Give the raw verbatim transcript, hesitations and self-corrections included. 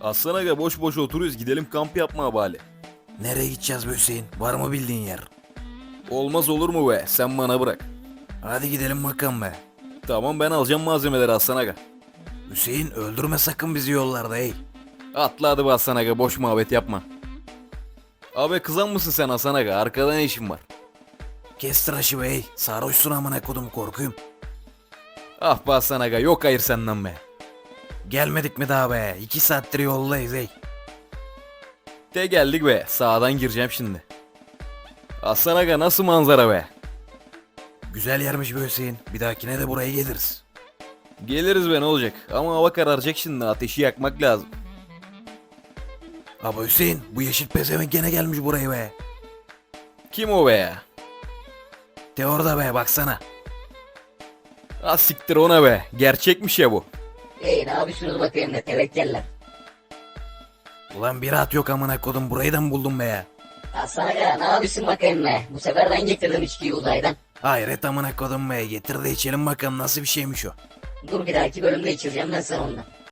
Aslan aga boş boş oturuyoruz, gidelim kamp yapmaya bari. Nereye gideceğiz be Hüseyin? Var mı bildiğin yer? Olmaz olur mu be, sen bana bırak. Hadi gidelim bakalım be. Tamam, ben alacağım malzemeleri Aslan aga. Hüseyin öldürme sakın bizi yollarda ey. Atla hadi be Aslan aga, boş muhabbet yapma. Abi kızan mısın sen Aslan aga, arkada ne işin var? Kes tıraşı be ey. Sarhoşsun amına kodum, korkuyum. Ah be Aslan aga, yok hayır senden be. Gelmedik mi daha be? İki saattir yoldayız ey. De geldik be, sağdan gireceğim şimdi. Aslan aga nasıl manzara be? Güzel yermiş be Hüseyin. Bir dahakine de buraya geliriz. Geliriz be, ne olacak, ama hava kararacak şimdi, ateşi yakmak lazım. Ama Hüseyin, bu yeşil pezevenk gene gelmiş buraya be. Kim o be ya? De orada be, baksana. Ah siktir ona be, gerçekmiş ya bu. Hey ne yapıyorsunuz bakayım ne tevekkeller. Ulan bir rahat yok amına kodum, burayı da mı buldun be ya? Aslan aga ne yapıyorsun bakayım ne? Bu sefer ben getirdim içkiyi uzaydan. Hayret amına kodum be, getir de içelim bakalım nasıl bir şeymiş o. Dur bir dahaki bölümde içireceğim ben sana ondan.